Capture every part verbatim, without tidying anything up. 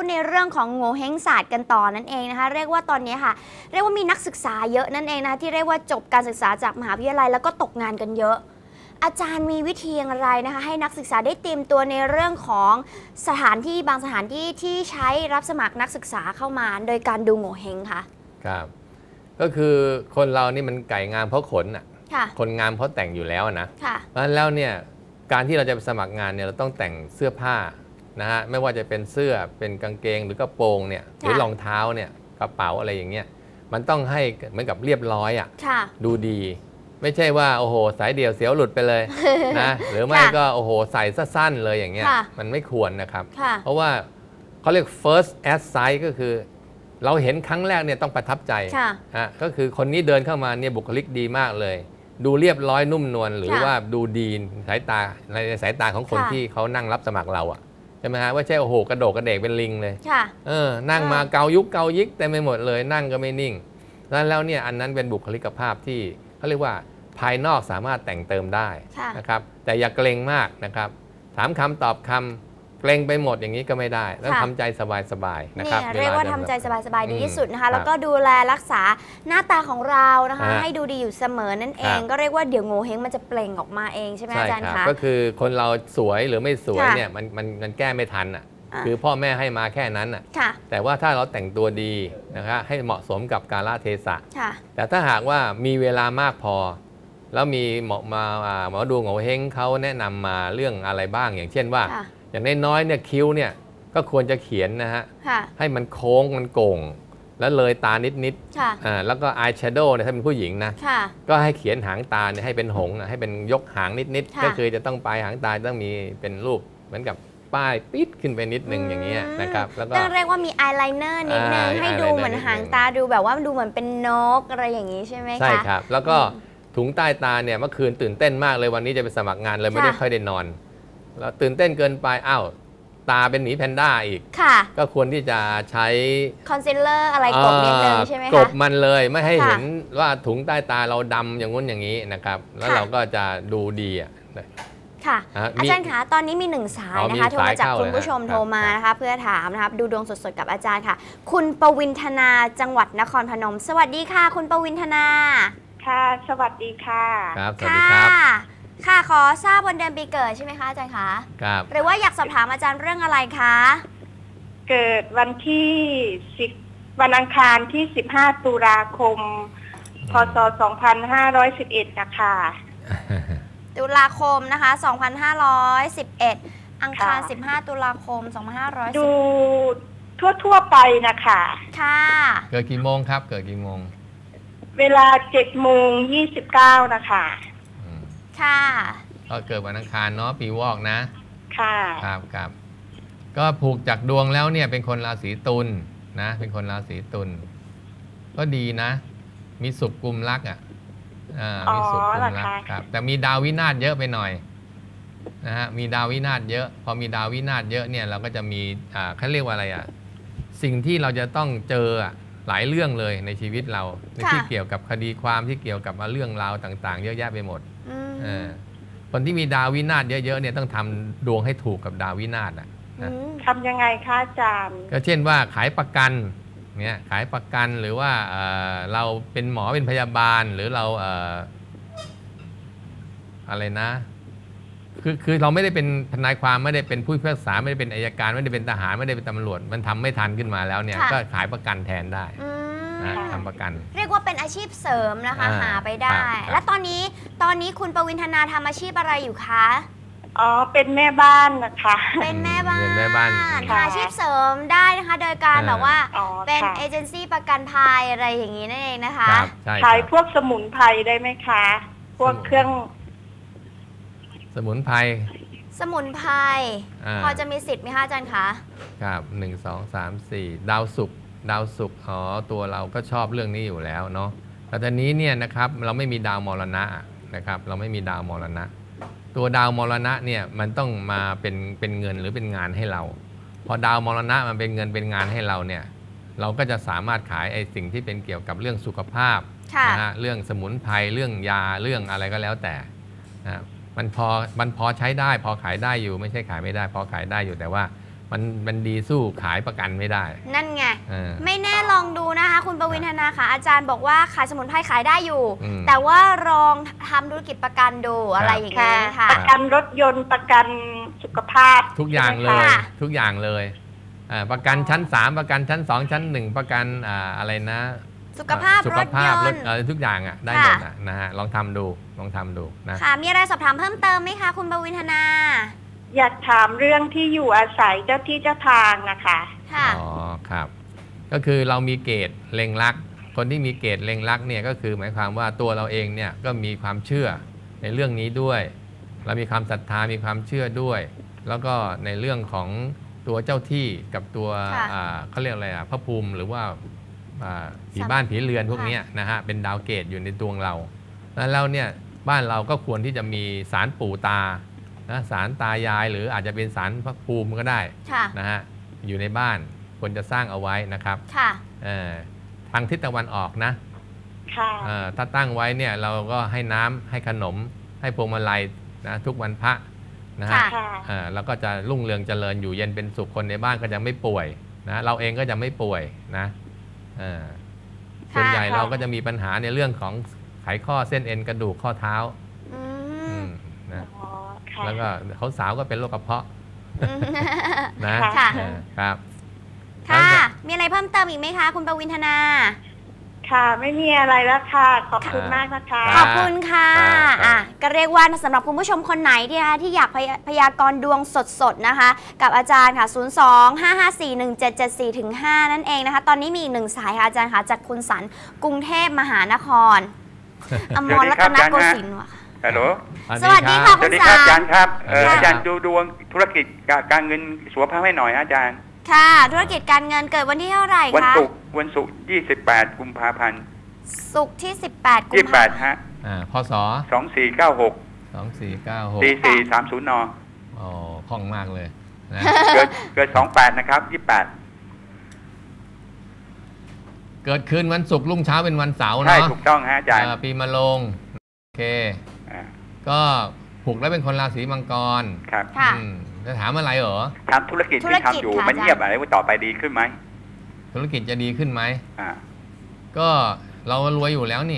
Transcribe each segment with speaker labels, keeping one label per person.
Speaker 1: ในเรื่องของโง่เฮงศาสตร์กันต่อนั่นเองนะคะเรียกว่าตอนนี้ค่ะเรียกว่ามีนักศึกษาเยอะนั่นเองนะคะที่เรียกว่าจบการศึกษาจากมหาวิทยาลัยแล้วก็ตกงานกันเยอะอาจารย์มีวิธีอย่างไรนะคะให้นักศึกษาได้เตรียมตัวในเรื่องของสถานที่บางสถานที่ที่ใช้รับสมัครนักศึกษาเข้ามาโดยการดูโง่เฮงค่ะ
Speaker 2: ครับก็คือคนเรานี่มันไก่งามเพราะขนอ่ะคนงามเพราะแต่งอยู่แล้วนะเพราะฉะนั้นแล้วเนี่ยการที่เราจะไปสมัครงานเนี่ยเราต้องแต่งเสื้อผ้านะฮะไม่ว่าจะเป็นเสื้อเป็นกางเกงหรือกระโปรงเนี่ยหรือรองเท้าเนี่ยกระเป๋าอะไรอย่างเงี้ยมันต้องให้เหมือนกับเรียบร้อยอ่ะดูดีไม่ใช่ว่าโอ้โหสายเดี่ยวเสียวหลุดไปเลยนะหรือไม่ก็โอ้โหใส่สั้นๆเลยอย่างเงี้ยมันไม่ควรนะครับเพราะว่าเขาเรียก first at sight ก็คือเราเห็นครั้งแรกเนี่ยต้องประทับใจฮะก็คือคนนี้เดินเข้ามาเนี่ยบุคลิกดีมากเลยดูเรียบร้อยนุ่มนวลหรือว่าดูดีสายตาในสายตาของคนที่เขานั่งรับสมัครเราอ่ะใช่ไหมฮะว่าใช่โอ้โหกระโดดกระเดกเป็นลิงเลยเออนั่งมาเกายุกเกายิกแต่ไม่หมดเลยนั่งก็ไม่นิ่งนั้นแล้วเนี่ยอันนั้นเป็นบุคลิกภาพที่เขาเรียกว่าภายนอกสามารถแต่งเติมได้นะครับแต่อย่าเกรงมากนะครับถามคำตอบคำเกรงไปหมดอย่างนี้ก็ไม่ได้ต้องทำใจสบายๆนะครับ
Speaker 1: เรียกว่าทำใจสบายๆดีที่สุดนะคะแล้วก็ดูแลรักษาหน้าตาของเรานะคะให้ดูดีอยู่เสมอนั่นเองก็เรียกว่าเดี๋ยวโง่เฮงมันจะเปล่งออกมาเองใช่ไหมอาจารย์คะ
Speaker 2: ก็คือคนเราสวยหรือไม่สวยเนี่ยมันมันมันแก้ไม่ทันอ่ะคือพ่อแม่ให้มาแค่นั้นอ่ะแต่ว่าถ้าเราแต่งตัวดีนะครับให้เหมาะสมกับกาลเทศะแต่ถ้าหากว่ามีเวลามากพอแล้วมีหมอมาหมอดูโง่เฮงเขาแนะนำมาเรื่องอะไรบ้างอย่างเช่นว่าอย่างน้อยๆเนี่ยคิ้วเนี่ยก็ควรจะเขียนนะฮะให้มันโค้งมันโก่งแล้วเลยตานิดๆแล้วก็อายแชโดว์เนี่ยถ้าเป็นผู้หญิงนะก็ให้เขียนหางตาเนี่ยให้เป็นหงส์ให้เป็นยกหางนิดๆก็คือจะต้องปลายหางตาต้องมีเป็นรูปเหมือนกับป้ายปิดขึ้นไปนิดนึงอย่างเงี้ยนะครับแล้วก็
Speaker 1: เรียกว่ามีอายไลเนอร์นิดนึงให้ดูเหมือนหางตาดูแบบว่าดูเหมือนเป็นนกอะไรอย่างนี้ใช่ไหมคะ
Speaker 2: ใช่ครับแล้วก็ถุงใต้ตาเนี่ยเมื่อคืนตื่นเต้นมากเลยวันนี้จะไปสมัครงานเลยไม่ได้ค่อยได้นอนแล้วตื่นเต้นเกินไปอ้าวตาเป็นหมีแพนด้าอีกก็ควรที่จะใช้
Speaker 1: คอนซีลเลอร์อะไรกบนิดนึงใช่ไหมคะ
Speaker 2: กบมันเลยไม่ให้เห็นว่าถุงใต้ตาเราดำอย่างงู้นอย่างนี้นะครับแล้วเราก็จะดูดีอ่ะ
Speaker 1: ค่ะอาจารย์คะตอนนี้มีหนึ่งสายนะคะโทรมาจากคุณผู้ชมโทรมานะคะเพื่อถามนะคะดูดวงสดๆกับอาจารย์ค่ะคุณปวินธนาจังหวัดนครพนมสวัสดีค่ะคุณปวินธนา
Speaker 3: ค่ะสวัสดีค่ะ
Speaker 2: ครับสวัสดีครับ
Speaker 1: ค่ะขอทราบวันเดือนปีเกิดใช่ไหมคะอาจารย์คะ
Speaker 2: ครับ
Speaker 1: หรือว่าอยากสอบถามอาจารย์เรื่องอะไรคะ
Speaker 3: เกิดวันที่สิบวันอังคารที่สิบห้าตุลาคมพศสองพันห้าร้อยสิบเอ็ดนะคะ
Speaker 1: ตุลาคมนะคะสองพันห้าร้อยสิบเอ็ดอังคารสิบห้าตุลาคมสองพันห้าร้อยสิบ
Speaker 3: ดูทั่วๆไปนะคะ
Speaker 1: ค่ะ
Speaker 2: เกิดกี่โมงครับเกิดกี่โมง
Speaker 3: เวลาเจ็ดโมงยี่สิบเก้านะคะ
Speaker 1: ค่ะ
Speaker 2: ก็เกิดวันอังคารเนาะปีวอกนะ
Speaker 3: ค่ะ
Speaker 2: ครับครับก็ผูกจากดวงแล้วเนี่ยเป็นคนราศีตุลนะเป็นคนราศีตุลก็ดีนะมีสุขกุมรักอ่ะอ่ามีสุขกุมรักครับแต่มีดาววินาศเยอะไปหน่อยนะฮะมีดาววินาศเยอะพอมีดาววินาศเยอะเนี่ยเราก็จะมีอ่าเขาเรียกว่าอะไรอ่ะสิ่งที่เราจะต้องเจออ่ะหลายเรื่องเลยในชีวิตเราที่เกี่ยวกับคดีความที่เกี่ยวกับเรื่องราวต่างๆเยอะแยะไปหมดคนที่มีดาววินาศเยอะๆเนี่ยต้องทำดวงให้ถูกกับดาววินาศอ่ะ
Speaker 3: ทำยังไงคะอาจารย์
Speaker 2: ก็เช่นว่าขายประกันเนี่ยขายประกันหรือว่าเราเป็นหมอเป็นพยาบาลหรือเราอะไรนะคือคือเราไม่ได้เป็นทนายความไม่ได้เป็นผู้พิพากษาไม่ได้เป็นอัยการไม่ได้เป็นทหารไม่ได้เป็นตำรวจมันทำไม่ทันขึ้นมาแล้วเนี่ยก็ขายประกันแทนได้นะทำประกัน
Speaker 1: เรียกว่าเป็นอาชีพเสริมนะคะหาไปได้และตอนนี้ตอนนี้คุณปวินธนาทำอาชีพอะไรอยู่คะ
Speaker 3: อ๋อเป็นแม่บ้านนะคะ
Speaker 1: เป็นแม่บ้าน
Speaker 2: เป็นแม่บ้าน
Speaker 1: อาชีพเสริมได้นะคะโดยการแบบว่าเป็นเอเจนซี่ประกันภัยอะไรอย่างนี้นั่นเองนะคะ
Speaker 3: ขายพวกสมุนไพรได้ไหมคะพวกเครื่อง
Speaker 2: สมุนไพร
Speaker 1: สมุนไพรพอจะมีสิทธิ์ไหมคะอาจารย์คะ
Speaker 2: ครับหนึ่งสองสามสี่ดาวศุกร์ดาวศุกร์อ๋อตัวเราก็ชอบเรื่องนี้อยู่แล้วเนาะแต่ตอนนี้เนี่ยนะครับเราไม่มีดาวมรณะนะครับเราไม่มีดาวมรณะตัวดาวมรณะเนี่ยมันต้องมาเป็นเป็นเงินหรือเป็นงานให้เราพอดาวมรณะมันเป็นเงินเป็นงานให้เราเนี่ยเราก็จะสามารถขายไอ้สิ่งที่เป็นเกี่ยวกับเรื่องสุขภาพนะฮะเรื่องสมุนไพรเรื่องยาเรื่องอะไรก็แล้วแต่นะมันพอมันพอใช้ได้พอขายได้อยู่ไม่ใช่ขายไม่ได้พอขายได้อยู่แต่ว่ามันมันดีสู้ขายประกันไม่ได้
Speaker 1: นั่นไง
Speaker 2: เออ
Speaker 1: ไม่แน่ลองดูนะคะ คุณประวินธนาค่ะอาจารย์บอกว่าขายสมุนไพรขายได้อยู่
Speaker 2: อืม
Speaker 1: แต่ว่าลองทำธุรกิจประกันดูอะไรอย่างนี้ค่ะ
Speaker 3: ประกันรถยนต์ประกันสุขภาพ
Speaker 2: ทุกอย่างเลย
Speaker 1: ค่ะ
Speaker 2: ทุกอย่างเลยอ่าประกันชั้นสามประกันชั้นสองชั้นหนึ่งประกันอ่าอะไรนะ
Speaker 1: สุขภาพ
Speaker 2: สุ
Speaker 1: ร
Speaker 2: ข
Speaker 1: ถ
Speaker 2: ภาย พรถ
Speaker 1: นต์
Speaker 2: อะไรทุกอย่างอ่ะได้หมดอ่ะนะฮะลองทำดูลองทำดูนะ
Speaker 1: ค่ะ มีอะไรสอบถามเพิ่มเติมไหมคะคุณประวินธนา
Speaker 3: อยากถามเรื่องที่อยู่อาศัยเจ้าที่เจ้าทางนะคะ
Speaker 1: ค่ะ
Speaker 2: อ๋อครับ ก็คือเรามีเกณฑ์เล็งรัก คนที่มีเกณฑ์เล็งรักเนี่ยก็คือหมายความว่าตัวเราเองเนี่ยก็มีความเชื่อในเรื่องนี้ด้วย เรามีความศรัทธามีความเชื่อด้วย แล้วก็ในเรื่องของตัวเจ้าที่กับตัว
Speaker 1: ค่ะ
Speaker 2: อ่าเขาเรียกอะไรอ่ะพระภูมิหรือว่าอ่าผีบ้านผีเรือนพวกเนี้ยนะฮะเป็นดาวเกตอยู่ในดวงเราแล้วเราเนี่ยบ้านเราก็ควรที่จะมีศาลปู่ตานะศาลตายายหรืออาจจะเป็นศาลพระภูมิก็ได้
Speaker 1: ค่ะ
Speaker 2: นะฮะอยู่ในบ้านควรจะสร้างเอาไว้นะครับ
Speaker 1: ค่ะ
Speaker 2: เอ่อทางทิศตะวันออกนะ
Speaker 3: ค่ะ
Speaker 2: เอ่อถ้าตั้งไว้เนี่ยเราก็ให้น้ำให้ขนมให้พวงมาลัยนะทุกวันพระนะฮะ
Speaker 1: ค่ะ
Speaker 3: ค่ะ
Speaker 2: เอ่อแล้วก็จะรุ่งเรืองเจริญอยู่เย็นเป็นสุขคนในบ้านก็จะไม่ป่วยนะเราเองก็จะไม่ป่วยนะเอ่อส่วนใหญ่
Speaker 3: ค่ะ
Speaker 2: เราก็จะมีปัญหาในเรื่องของไขข้อเส้นเอ็นกระดูกข้อเท้า
Speaker 1: อื
Speaker 2: อื
Speaker 1: ม
Speaker 2: มนะ
Speaker 3: อ๋อค่ะ
Speaker 2: แล้วก็เขาสาวก็เป็นโรคกระเพาะนะ
Speaker 1: ค่ะ
Speaker 2: เออครับ
Speaker 1: ค่ะ มีอะไรเพิ่มเติมอีกไหมคะ คุณประวินธนา
Speaker 3: ค่ะ ไม่มีอะไรแล้วค่ะ ขอบคุณมากนะคะ
Speaker 1: ขอบคุณค่ะ
Speaker 2: ครับ
Speaker 1: อ่ะ ก็เรียกว่าสำหรับคุณผู้ชมคนไหนที่นะคะที่อยากพยพยากรณ์ดวงสดๆนะคะ กับอาจารย์ค่ะ ศูนย์ สอง ห้า ห้า สี่ หนึ่ง เจ็ด เจ็ด สี่ ห้า นั่นเองนะคะ ตอนนี้มีอีกหนึ่งสายค่ะอาจารย์ค่ะ จากคุณสันกรุงเทพมหานคร อมรรัตนโกสินทร์ว่ะ
Speaker 4: ฮัลโหล
Speaker 1: สวัสดีค่ะ
Speaker 4: สวัสดีครับอาจารย์ครับเอ่อ
Speaker 2: ค่ะ
Speaker 4: อาจารย์ดูดวงธุรกิจการการเงินสุขภาพให้หน่อยอาจารย์
Speaker 1: ค่ะ ธุรกิจการเงินเกิดวันที่เท่าไหร่
Speaker 4: วัน
Speaker 1: คะ
Speaker 4: ศุกร์วันศุกร์ยี่สิบแปดกุมภาพันธ์
Speaker 1: ศุกร์ที่ สิบแปด กุ
Speaker 4: ยี่
Speaker 1: ม
Speaker 4: สิบแป
Speaker 1: ภา
Speaker 4: ด
Speaker 1: พันธ์
Speaker 4: ฮะ
Speaker 2: อ่าพศ
Speaker 4: สองสี่เก้าหก
Speaker 2: สองสี่เก้าหก
Speaker 4: สี่สี่สามศูนย์น
Speaker 2: อ๋อคล่องมากเลยนะ
Speaker 4: เกิดเกิดสองแปดนะครับยี่สิบแปด
Speaker 2: เกิดคืนวันศุกร์รุ่งเช้าเป็นวันเสาร์
Speaker 4: ใช่
Speaker 2: เนาะ
Speaker 4: ถูกต้องฮะอาจารย์
Speaker 2: อ่าปีมะโรง โอเค
Speaker 4: อ่า
Speaker 2: ก็ผูกแล้วเป็นคนราศีมังกร
Speaker 4: ครับ
Speaker 1: ค่ะ
Speaker 2: อืมจะถามอะไรเหรอ
Speaker 4: ทำธุรกิจ
Speaker 1: ธุร
Speaker 4: ที่
Speaker 1: กิจ
Speaker 4: ทำอยู่
Speaker 1: ค่ะ
Speaker 4: มัน
Speaker 1: อาจารย์
Speaker 4: เงียบอะไรว่าต่อไปดีขึ้นไหม
Speaker 2: ธุรกิจจะดีขึ้นไหม
Speaker 4: อ่า
Speaker 2: ก็เรารวยอยู่แล้วนี่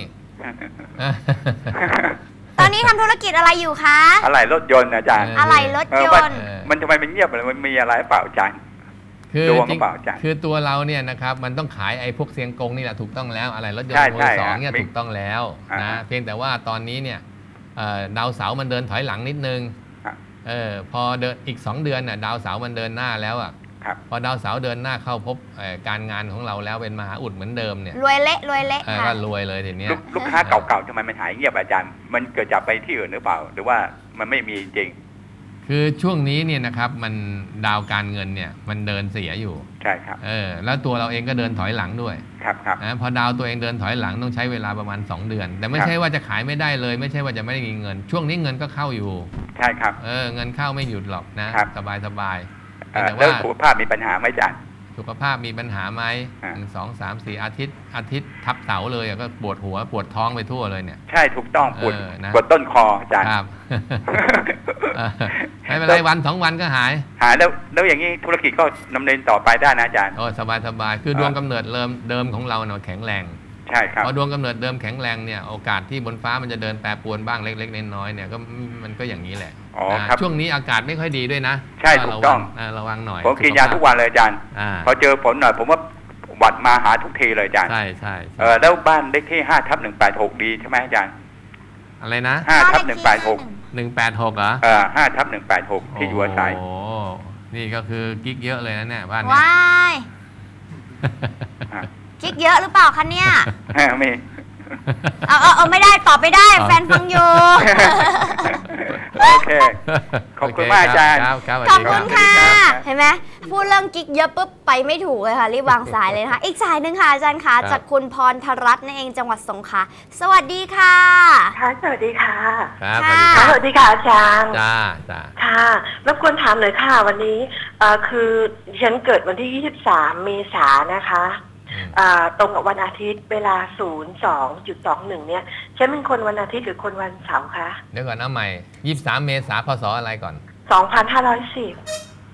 Speaker 1: ตอนนี้ทำธุรกิจอะไรอยู่คะ
Speaker 4: อะไรรถยนต์อาจารย์
Speaker 2: เ
Speaker 1: อะไรรถ
Speaker 4: เออย ว่าน
Speaker 1: ต์
Speaker 2: เออ
Speaker 4: มันทำไมมันเงียบอะไรมันมีอะไรเปล่าอาจารย์
Speaker 2: คือ
Speaker 4: ดวง
Speaker 2: จริง
Speaker 4: เปล่าอาจารย์
Speaker 2: คือตัวเราเนี่ยนะครับมันต้องขายไอ้พวกเสียงกงนี่แหละถูกต้องแล้ว อะไรรถยน
Speaker 4: ใช่
Speaker 2: ต์มื
Speaker 4: ใช่
Speaker 2: อสอง
Speaker 4: ฮะ
Speaker 2: เนี่ย
Speaker 4: มี
Speaker 2: ถูกต้องแล้ว
Speaker 4: อ่า
Speaker 2: นะ
Speaker 4: ฮะ
Speaker 2: เพียงแต่ว่าตอนนี้เนี่ยเอ่อดาวเสาร์มันเดินถอยหลังนิดนึง
Speaker 4: ครับ
Speaker 2: เออพอเดินอีกสองเดือนน่ะดาวเสาร์มันเดินหน้าแล้วอ่ะ
Speaker 4: ครับ
Speaker 2: พอดาวเสาร์เดินหน้าเข้าพบเอ่อการงานของเราแล้วเป็นมหาอุดเหมือนเดิมเนี่ย
Speaker 1: รวยเละรวยเละ
Speaker 2: เออ
Speaker 1: ค่ะ
Speaker 2: ก็รวยเลยทีเนี้ย
Speaker 4: ลูกลูกค้าเก่าๆทำไมมันหายเงียบอาจารย์ มันเกิดจากไปที่อื่นหรือเปล่า หรือว่ามันไม่มีจริง
Speaker 2: คือช่วงนี้เนี่ยนะครับมันดาวการเงินเนี่ยมันเดินเสียอยู่
Speaker 4: ใช่ครับ
Speaker 2: เออแล้วตัวเราเองก็เดินถอยหลังด้วย
Speaker 4: ครับครับ
Speaker 2: นะพอดาวตัวเองเดินถอยหลังต้องใช้เวลาประมาณสองเดือน แต่ไม่
Speaker 4: ครับ
Speaker 2: ใช่ว่าจะขายไม่ได้เลย ไม่ใช่ว่าจะไม่ได้มีเงิน ช่วงนี้เงินก็เข้าอยู่
Speaker 4: ใช่ครับ
Speaker 2: เออเงินเข้าไม่หยุดหรอกนะครับ สบายสบาย
Speaker 4: เอ่อ
Speaker 2: แต่
Speaker 4: แล้ว
Speaker 2: ว่า
Speaker 4: สุขภาพมีปัญหาไหมอาจารย์
Speaker 2: สุขภาพมีปัญหาไหม
Speaker 4: อ่า
Speaker 2: หนึ่งสองสามสี่อาทิตย์อาทิตย์ทับเสาเลยอะก็ปวดหัวปวดท้องไปทั่วเลยเนี่ย
Speaker 4: ใช่ถูกต้องปวด
Speaker 2: เออนะ
Speaker 4: ปวดต้นคออาจารย์
Speaker 2: ครับ เออไม่เป็นไรวันสองวันก็หาย
Speaker 4: หายแล้วแล้วอย่างนี้ธุรกิจก็ดำเนินต่อไปได้นะอาจารย์
Speaker 2: โอ้สบายสบายคือดวงกำเนิดเริ่มเดิมของเราเนาะแข็งแรง
Speaker 4: ใช่ครับ
Speaker 2: พอดวงกำเนิดเดิมแข็งแรงเนี่ยโอกาสที่บนฟ้ามันจะเดินแปรปรวนบ้างเล็กๆน้อยๆเนี่ยก็มันก็อย่างนี้แหละ
Speaker 4: อ๋อ
Speaker 2: นะครับ ช่วงนี้อากาศไม่ค่อยดีด้วยนะ
Speaker 4: ใช่ถูกต้อง
Speaker 2: ระวัระวังหน่อย
Speaker 4: ผมกินยาทุกวันเลยอาจารย์
Speaker 2: อ่า
Speaker 4: พอเจอฝนหน่อยผมว่าหวัดมาหาทุกทีเลยอาจารย์
Speaker 2: ใช่ใช่
Speaker 4: เออแล้วบ้านเลขที่ห้าทับหนึ่งแปดหกดีใช่ไหมอาจารย์
Speaker 2: อะไรนะ
Speaker 4: ห้าทับหนึ่งแปดหก
Speaker 2: หนึ่งแปดหกเหรอ
Speaker 4: เออห้าทับหนึ่งแปดหกที่อยู่อาศัย
Speaker 2: โอ้โหนี่ก็คือกิ๊กเยอะเลยนะเนี่ยบ้านเนี้ย
Speaker 1: ว้ายคิกเยอะหรือเปล่าคะเนี่ย
Speaker 4: มี
Speaker 1: เอาเอาเอาไม่ได้ตอบไม่ได้ แฟนฟังอยู่
Speaker 4: โอเค ขอบคุณมากอาจารย์
Speaker 2: ครับครับ
Speaker 1: ขอบ
Speaker 2: สวัส
Speaker 1: คุ
Speaker 2: ดี
Speaker 1: ณ
Speaker 2: รับ
Speaker 1: ค่ะ
Speaker 4: ครับ
Speaker 1: เห็นไหมพูดเรื่องกิ๊กเยอะปุ๊บไปไม่ถูกเลยค่ะรีบวางสายเลยนะคะ อีกสายหนึ่งค่ะอาจารย์คะจากคุณพรธรัตน์นั่นเองจังหวัดสงขลาสวัสดีค่ะ
Speaker 5: ค่ะสวัสดีค่ะ
Speaker 2: ครับ
Speaker 1: ค่ะ
Speaker 5: ค่ะสวัสดีค่ะอาจารย์
Speaker 2: จ้าจ้า
Speaker 5: ค่ะรบกวนถามหน่อยค่ะ วันนี้เอ่อคือดิฉันเกิดวันที่ยี่สิบสามเมษายนนะคะอ่าตรงกับวันอาทิตย์เวลา ศูนย์ สอง จุด สอง หนึ่ง เนี่ยฉันเป็นคนวันอาทิตย์หรือคนวันเสาร์คะ
Speaker 2: เดี๋ยวก่อนเอาใหม่ยี่สิบสามเมษาพศอะไรก่อน
Speaker 5: สองพันห้าร้อยสิบ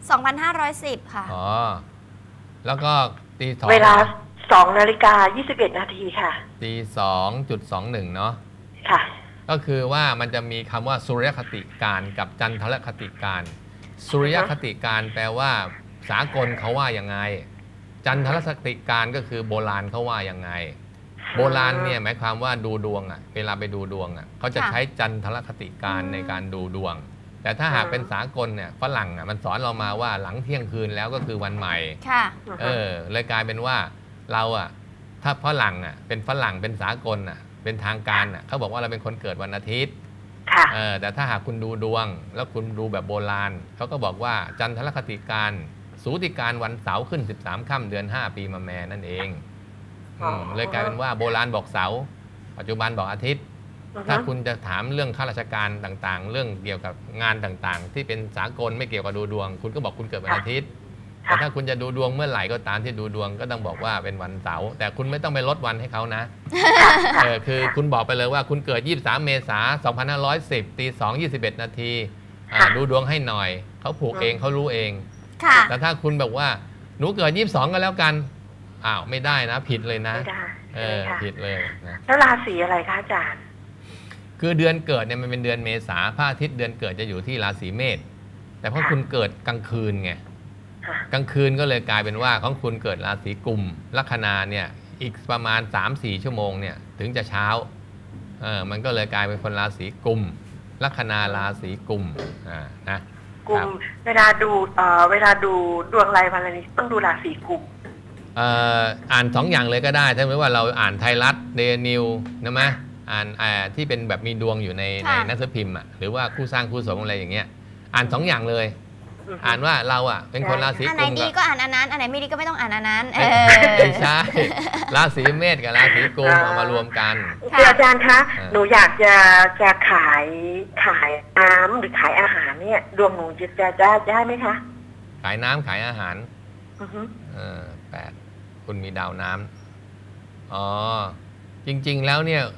Speaker 1: สองพันห้าร้อยสิบ ค่ะ
Speaker 2: อ๋อแล้วก็ตีสอง
Speaker 5: เวลาสองนาฬิกายี่สิบเอ็ดนาทีค่ะ
Speaker 2: ตีสองจุดสองหนึ่งเนาะ
Speaker 5: ค่ะ
Speaker 2: ก็คือว่ามันจะมีคำว่าสุริยคติการกับจันทรคติการสุริยคติการแปลว่าสากลเขาว่ายังไงจันทรคติการก็คือโบราณเขาว่ายังไงโบราณเนี่ยหมายความว่าดูดวงอ่ะเวลาไปดูดวงอ่ะเขาจะใช้จันทรคติการในการดูดวงแต่ถ้าหากเป็นสากลเนี่ยฝรั่งอ่ะมันสอนเรามาว่าหลังเที่ยงคืนแล้วก็คือวันใหม่
Speaker 1: ค่ะ
Speaker 2: เออเลยกลายเป็นว่าเราอ่ะถ้าฝรั่งอ่ะเป็นฝรั่งเป็นสากลอ่ะเป็นทางการอ่ะเขาบอกว่าเราเป็นคนเกิดวันอาทิตย์เออแต่ถ้าหากคุณดูดวงแล้วคุณดูแบบโบราณเขาก็บอกว่าจันทรคติการสูติการวันเสาร์ขึ้นสิบสามค่ำเดือนห้าปีมะแม่นั่นเองเลยกลายเป็นว่าโบราณบอกเสาร์ปัจจุบันบอกอาทิตย์ถ้าคุณจะถามเรื่องข้าราชการต่างๆเรื่องเกี่ยวกับงานต่างๆที่เป็นสากลไม่เกี่ยวกับดูดวงคุณก็บอกคุณเกิดวันอาทิตย์แต่ถ้าคุณจะดูดวงเมื่อไหร่ก็ตามที่ดูดวงก็ต้องบอกว่าเป็นวันเสาร์แต่คุณไม่ต้องไปลดวันให้เขานะเออคือคุณบอกไปเลยว่าคุณเกิดยี่สิบสามเมษายนสองพันห้าร้อยสิบตีสอง ยี่สิบเอ็ดนาทีดูดวงให้หน่อยเขาผูกเองเขารู้เองแต่ถ้าคุณแบบว่าหนูเกิดยี่สิบสองก็แล้วกันอ้าวไม่ได้นะผิดเลยนะ
Speaker 5: ไม่ได้
Speaker 2: เออผิดเลยนะ
Speaker 5: แล้วราศีอะไรคะอาจารย์
Speaker 2: คือเดือนเกิดเนี่ยมันเป็นเดือนเมษาพระอาทิตย์เดือนเกิดจะอยู่ที่ราศีเมษแต่เพราะคุณเกิดกลางคืนไงกลางคืนก็เลยกลายเป็นว่าของคุณเกิดราศีกุมลัคนาเนี่ยอีกประมาณ สามถึงสี่ ชั่วโมงเนี่ยถึงจะเช้าเออมันก็เลยกลายเป็นคนราศีกุมลัคนาราศีกุมอ่านะ
Speaker 5: กุมเวลาดูเอ่อเวลาดูดวงรายวันอะไรนี้ต้องดูราศีกุม
Speaker 2: เอ่ออ่านสองอย่างเลยก็ได้ถ้าไม่ว่าเราอ่านไทยรัฐเดนิวนะมั้ยอ่านอ่าที่เป็นแบบมีดวงอยู่ในในหนังสือพิมพ์อ่ะหรือว่าคู่สร้างคู่สมอะไรอย่างเงี้ยอ่านสองอย่างเลยอ่านว่าเราอ่ะเป็นคนราศีกุม
Speaker 1: อันไหนดีก็อ่านอันนั้นอันไหนไม่ดีก็ไม่ต้องอ่านอันนั้น
Speaker 2: ไม่ใช่ราศีเมษกับราศีกุมเอามารวมกัน
Speaker 5: อาจารย์คะหนูอยากจะจะขายขายน้ำหรือขายอาหารเนี่ยดวงหนูจะจะจะได้ไหมคะ
Speaker 2: ขายน้ำขายอาหารเออแปดคุณมีดาวน้ำอ๋อจริงๆแล้วเนี่ย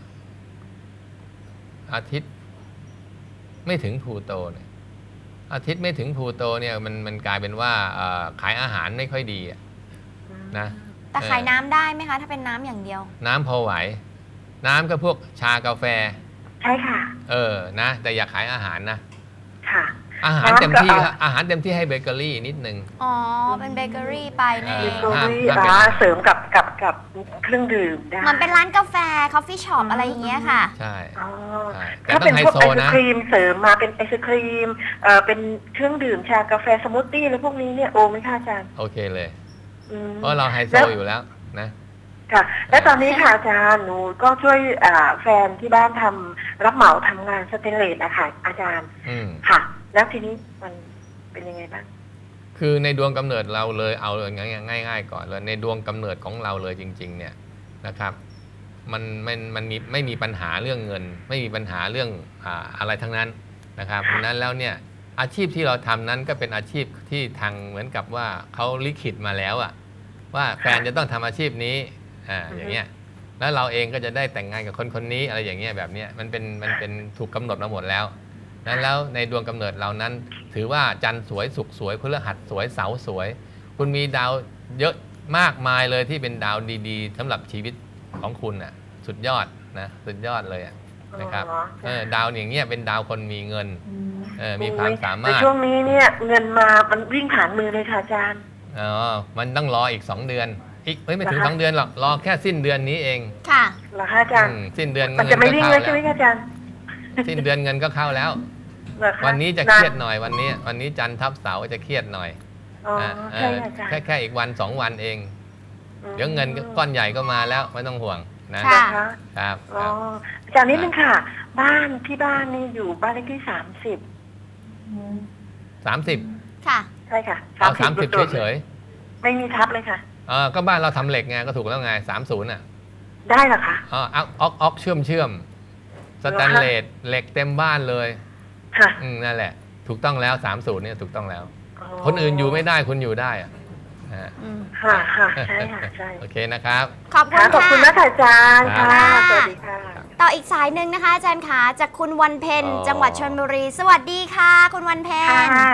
Speaker 2: อาทิตย์ไม่ถึงพลูโตเนี่ยอาทิตย์ไม่ถึงพลูโตเนี่ยมันมันกลายเป็นว่าขายอาหารไม่ค่อยดีนะ
Speaker 1: แต่ขายน้ำได้ไหมคะถ้าเป็นน้ำอย่างเดียว
Speaker 2: น้ำพอไหวน้ำก็พวกชากาแฟ
Speaker 5: ใช่ค่ะ
Speaker 2: เออนะแต่อย่าขายอาหารนะ
Speaker 5: ค่ะ
Speaker 2: อาหารเต็มที่ครับอาหารเต็มที่ให้เบเกอรี่นิดนึง
Speaker 1: อ๋อเป็นเบเกอรี่ไป
Speaker 5: นี่เบเกอรี่อ่าเสริมกับกับกับเครื่องดื่มได้
Speaker 1: มันเป็นร้านกาแฟคอฟฟี่ช็อปอะไรอย่างเงี้ยค่ะ
Speaker 2: ใช่
Speaker 5: ถ้าเป็นพวกไอศครีมเสริมมาเป็นไอศครีมเอ่อเป็นเครื่องดื่มชากาแฟสมูทตี้อะไรพวกนี้เนี่ยโอไหมคะอาจารย์
Speaker 2: โอเคเลยเพราะเราไฮโซอยู่แล้วนะ
Speaker 5: ค่ะและตอนนี้ค่ะอาจารย์หนูก็ช่วยแฟนที่บ้านทำรับเหมาทำงานสเตนเลสอะค่ะอาจารย์ค่ะแล้วทีนี้มันเป็นยังไงบ้าง
Speaker 2: คือในดวงกำเนิดเราเลยเอาเลยง่ายๆก่อนเลยในดวงกำเนิดของเราเลยจริงๆเนี่ยนะครับมันมันมันมีไม่มีปัญหาเรื่องเงินไม่มีปัญหาเรื่องอ่าอะไรทั้งนั้นนะครับเพราะนั้นแล้วเนี่ยอาชีพที่เราทำนั้นก็เป็นอาชีพที่ทางเหมือนกับว่าเขาลิขิตมาแล้วอะว่าแฟนจะต้องทำอาชีพนี้อ่าอย่างเงี้ยแล้วเราเองก็จะได้แต่งงานกับคนคนนี้อะไรอย่างเงี้ยแบบเนี้ยมันเป็นมันเป็นถูกกำหนดมาหมดแล้วนั้นแล้วในดวงกำเนิดเรานั้นถือว่าจันทร์สวยศุกร์สวยพฤหัสสวยเสาร์สวยคุณมีดาวเยอะมากมายเลยที่เป็นดาวดีๆสำหรับชีวิตของคุณน่ะสุดยอดนะสุดยอดเลยนะครับเออดาวอย่างเงี้ยเป็นดาวคนมีเงินเออมีความสามารถ
Speaker 5: ในช่วงนี้เนี่ยเงินมามันวิ่งผ่านมือเลยค่ะอาจารย์
Speaker 2: อ๋อมันต้องรออีกสองเดือนอีกเอ้ยไม่ถึงสองเดือนหรอกรอแค่สิ้นเดือนนี้เอง
Speaker 1: ค่ะ
Speaker 5: เหรอคะอาจารย์
Speaker 2: สิ้นเดือน
Speaker 5: มันจะไม่วิ่งเลยใช่ไหมอาจารย์
Speaker 2: สิ้นเดือนเงินก็เข้าแล้ววันนี้จะเครียดหน่อยวันนี้วันนี้จันทร์ทับเสาร์จะเครียดหน่อยแค่แค่อีกวันสองวันเองเดี๋ยวเงินก้อนใหญ่ก็มาแล้วไม่ต้องห่วงนะครับ
Speaker 5: อาจารย์นิดนึงค่ะบ้านที่บ้านนี่อยู่บ้านเลขที่สามสิบ
Speaker 2: สามสิบ
Speaker 1: ค่ะ
Speaker 5: ใช่ค่ะ
Speaker 2: เอาสามสิบเฉย
Speaker 5: ๆไม่มีทับเลยค่ะ
Speaker 2: เออก็บ้านเราทำเหล็กไงก็ถูกแล้วไงสามศูนย์อ่ะ
Speaker 5: ได้เหรอคะ
Speaker 2: อ๋อออกออกเชื่อมเชื่อมสแตนเลสเหล็กเต็มบ้านเลย
Speaker 5: ค่ะ
Speaker 2: อืมนั่นแหละถูกต้องแล้วสามศูนย์เนี่ยถูกต้องแล้วคนอื่นอยู่ไม่ได้คุณอยู่ได้อ่ะ
Speaker 5: ค่ะค่ะใช่ค่ะใช่
Speaker 2: โอเคนะครับ
Speaker 1: ขอบคุณค่ะ
Speaker 5: ขอบคุณนะอาจารย์ค่ะสวัสดีค่ะ
Speaker 1: ต่ออีกสายหนึ่งนะคะอาจารย์ขาจากคุณวันเพ็ญจังหวัดชลบุรีสวัสดีค่ะคุณวันเพ็ญ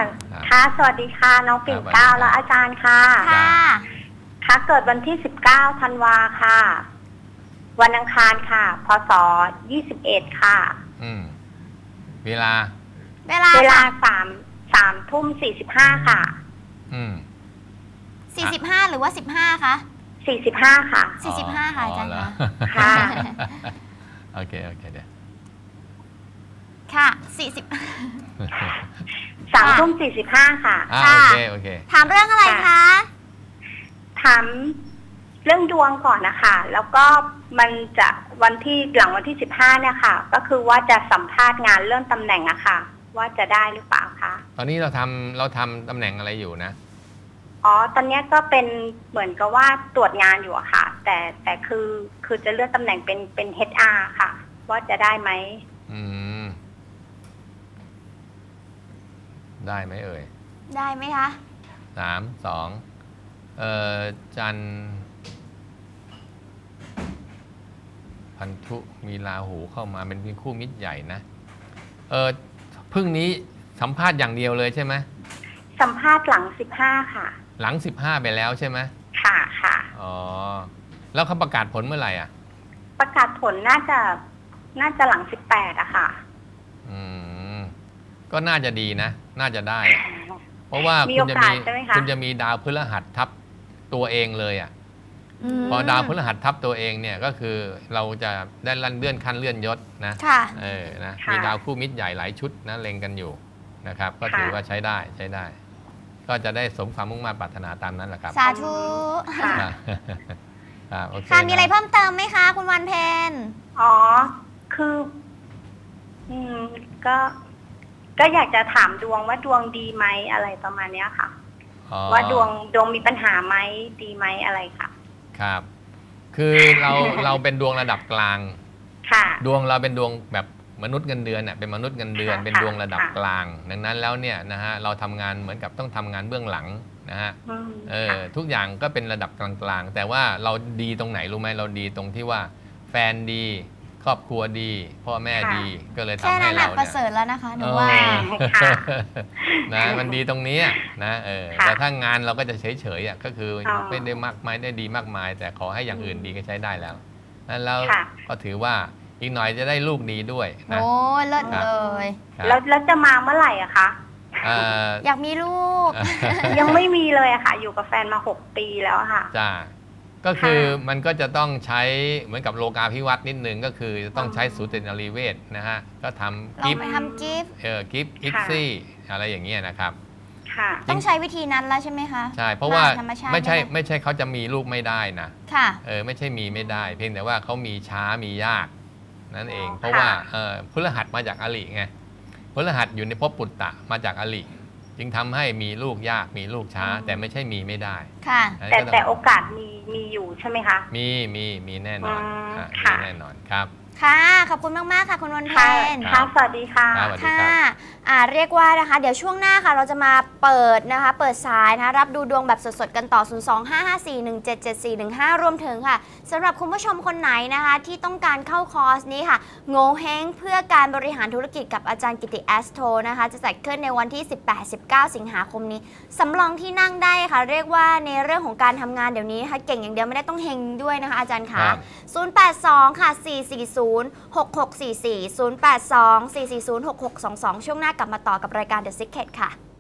Speaker 6: ค่ะสวัสดีค่ะน้องปิ่นเกล้าและอาจารย์ค่ะ
Speaker 1: ค่ะ
Speaker 6: ค่ะเกิดวันที่สิบเก้าธันวาค่ะวันอังคารค่ะพศยี่สิบเอ็ดค่ะ
Speaker 2: อืมเวลา
Speaker 1: เวลา
Speaker 6: เวลา
Speaker 1: ค่ะ
Speaker 6: สามสามทุ่มสี่สิบห้าค่ะ
Speaker 2: อืม
Speaker 1: สี่สิบห้าหรือว่าสิบห้าคะ
Speaker 6: สี่สิบห้าค่ะ
Speaker 1: สี่สิบห้าค่ะอาจารย์
Speaker 2: เห
Speaker 1: ค่ะ
Speaker 2: อ
Speaker 6: ค่ะ
Speaker 2: โอเคโอเคเดี๋ยว
Speaker 1: ค่ะสี่สิบ
Speaker 6: สามทุ่มสี่สิบห้าค่ะ
Speaker 2: อ่า
Speaker 1: ค่ะ
Speaker 2: โอเคโอเค
Speaker 1: ถามเรื่องอะไรคะ
Speaker 6: ถามเรื่องดวงก่อนนะคะ แล้วก็มันจะวันที่หลังวันที่สิบห้าเนี่ยค่ะ ก็คือว่าจะสัมภาษณ์งานเรื่องตำแหน่งอะค่ะ ว่าจะได้หรือเปล่าคะ
Speaker 2: ตอนนี้เราทำเราทำตำแหน่งอะไรอยู่นะ
Speaker 6: อ๋อ ตอนนี้ก็เป็นเหมือนกับว่าตรวจงานอยู่อะค่ะ แต่แต่คือคือจะเลื่อนตำแหน่งเป็นเป็น เอช อาร์ ค่ะ ว่าจะได้ไหม
Speaker 2: อืม ได้ไหมเอ่ย
Speaker 1: ได้ไหมคะ
Speaker 2: สามสองเอ่อจันทร์พันธุมีราหูเข้ามาเป็นคู่มิตรใหญ่นะ เออพึ่งนี้สัมภาษณ์อย่างเดียวเลยใช่ไหม
Speaker 6: สัมภาษณ์หลังสิบห้าค่ะ
Speaker 2: หลังสิบห้าไปแล้วใช่ไหม
Speaker 6: ค่ะค่ะ
Speaker 2: อ๋อ แล้วเขาประกาศผลเมื่อไหร่อ่ะ
Speaker 6: ประกาศผลน่าจะน่าจะหลังสิบแปดอะค่ะ
Speaker 2: อืม ก็น่าจะดีนะ น่าจะได้ เพราะว่า
Speaker 6: มี
Speaker 2: คุณจะมี
Speaker 6: โอกาสใช่ไหมคะ
Speaker 2: คุณจะมีดาวพฤหัสทับตัวเองเลยอ่ะ พอดาวพฤหัสทับตัวเองเนี่ยก็คือเราจะได้ลั่นเลื่อนขั้นเลื่อนยศนะ
Speaker 1: ค่ะ
Speaker 2: เออนะ
Speaker 6: ค่ะ
Speaker 2: มีดาวคู่มิตรใหญ่หลายชุดนะเล็งกันอยู่นะครับ ก็ถือ
Speaker 6: ค่ะ
Speaker 2: ว่าใช้ได้ใช้ได้ ก็จะได้สมความมุ่งมั่นปรารถนาตามนั้นแหละครับ
Speaker 1: สาธุ
Speaker 6: ค่ะ
Speaker 2: ครับโอเค
Speaker 1: ค่ะ มีอะไร
Speaker 2: น
Speaker 1: เพิ่มเติมไหมคะ คุณวันเพ็ญ
Speaker 6: อ๋อ คือ อืม ก็ ก็อยากจะถามดวงว่าดวงดีไหมอะไรประมาณเนี้ยค่ะ
Speaker 2: อ๋อ
Speaker 6: ว่าดวงดวงมีปัญหาไหมดีไหมอะไรค่ะ
Speaker 2: ครับ คือเราเราเป็นดวงระดับกลาง
Speaker 6: ค่ะ
Speaker 2: ดวงเราเป็นดวงแบบมนุษย์เงินเดือนเน่ยเป็นมนุษย์เงินเดือน
Speaker 6: ค่ะ
Speaker 2: เป็นดวงระดับ
Speaker 6: ค่ะ
Speaker 2: กลาง ดังนั้นแล้วเนี่ยนะฮะเราทำงานเหมือนกับต้องทำงานเบื้องหลังนะฮะ
Speaker 6: อืม
Speaker 2: เออทุกอย่างก็เป็นระดับกลางๆ แต่ว่าเราดีตรงไหนรู้ไหมเราดีตรงที่ว่าแฟนดี ครอบครัวดี พ่อแม่ดีก็เลย
Speaker 1: แค่
Speaker 2: ทำให้
Speaker 1: นั้นแห
Speaker 2: เรา
Speaker 1: ละประ
Speaker 2: เนี่ย
Speaker 1: เสริฐแล้วนะคะหนู
Speaker 2: เออ
Speaker 1: ว่า
Speaker 6: ค่ะ
Speaker 2: นะมันดีตรงนี้นะเออ
Speaker 6: ค่ะ
Speaker 2: แต่ถ้างานเราก็จะเฉยๆอ่ะก็คืออ
Speaker 6: อ
Speaker 2: ไม่ได้มากมายได้ดีมากมาย แต่ขอให้อย่างอื่นดีก็ใช้ได้แล้วนั้นแล้ว
Speaker 6: ค่ะ
Speaker 2: ก็ถือว่าอีกหน่อยจะได้ลูกดีด้วยนะ
Speaker 1: โอ้ยเลิศ
Speaker 2: ครับ
Speaker 1: เลย
Speaker 2: ครับ
Speaker 6: แล้วแล้วจะมาเมื่อไหร่อะคะ
Speaker 2: เอ่อ
Speaker 1: อยากมีลูก
Speaker 6: ยังไม่มีเลยอะค่ะ อยู่กับแฟนมาหกปีแล้วอะค่ะ
Speaker 2: จ้าก็คือ
Speaker 6: ค่ะ
Speaker 2: มันก็จะต้องใช้เหมือนกับโลกาภิวัตน์นิดนึงก็คือจะต้องใช้สูตินรีเวชนะฮะก็ทำ
Speaker 1: เรา
Speaker 2: กิฟต์
Speaker 1: ไปทำกิฟต์
Speaker 2: เออกิฟต์อิกซี่อะไรอย่างเงี้ยนะครับ
Speaker 6: ค่ะ
Speaker 1: ต้องใช้วิธีนั้นแล้วใช่ไหมคะ
Speaker 2: ใช่เพราะว่า
Speaker 1: ธรรมชาติ
Speaker 2: ไม่ใช่
Speaker 1: ด้ห
Speaker 2: ไม่ใช่เขาจะมีลูกไม่ได้นะ
Speaker 1: ค่ะ
Speaker 2: เออไม่ใช่มีไม่ได้ เพียงแต่ว่าเขามีช้ามียากนั่นเอง
Speaker 6: อ๋อ
Speaker 2: เพราะว่า
Speaker 6: ค่ะ
Speaker 2: เออพฤหัสมาจากอลิไงพฤหัสอยู่ในภพปุตตะมาจากอลิจึงทำให้มีลูกยากมีลูกช้า แต่ไม่ใช่มีไม่ได้
Speaker 1: ค่ะ
Speaker 2: อัน
Speaker 6: แต่
Speaker 2: นี้ก็
Speaker 6: แต่
Speaker 2: อง
Speaker 6: โอกาสมีมีอยู่ใช่ไหมคะ
Speaker 2: มีมีมีแน่นอน
Speaker 6: อืม
Speaker 2: อ่ะมี
Speaker 6: ค่ะ
Speaker 2: แน่นอนครับ
Speaker 1: ค่ะ ขอบคุณมาก ๆ ค่ะ คุณวันเพ็
Speaker 6: ค่ะ
Speaker 1: ญ
Speaker 6: ค่ะ สวัสดีค่ะ
Speaker 2: ครับ สวัสดี
Speaker 1: ค่ะ
Speaker 2: รับ
Speaker 1: อ่าเรียกว่านะคะ เดี๋ยวช่วงหน้าค่ะ เราจะมาเปิดนะคะ เปิดสายนะคะ รับดูดวงแบบสดๆ กันต่อ ศูนย์ สอง ห้า ห้า สี่ หนึ่ง เจ็ด เจ็ด สี่ หนึ่ง ห้า รวมถึงค่ะสำหรับคุณผู้ชมคนไหนนะคะ ที่ต้องการเข้าคอร์สนี้ค่ะ โง่เฮงเพื่อการบริหารธุรกิจกับอาจารย์กิติแอสโทนะคะ จะจัดขึ้นในวันที่ สิบแปด สิบเก้า สิงหาคมนี้ สำรองที่นั่งได้ค่ะ เรียกว่าในเรื่องของการทำงานเดี๋ยวนี้นะคะ เก่งอย่างเดียวไม่ได้ต้องเฮงด้วยนะคะ อาจารย์
Speaker 2: ครั
Speaker 1: คะ
Speaker 2: บ
Speaker 1: ศูนย์ แปด สอง ค่ะ สี่ สี่ ศูนย์ หก หก สี่ สี่ ศูนย์ แปด สอง สี่ สี่ ศูนย์ หก หก สอง สอง ช่วงหน้ากลับมาต่อกับรายการ The Secret ค่ะ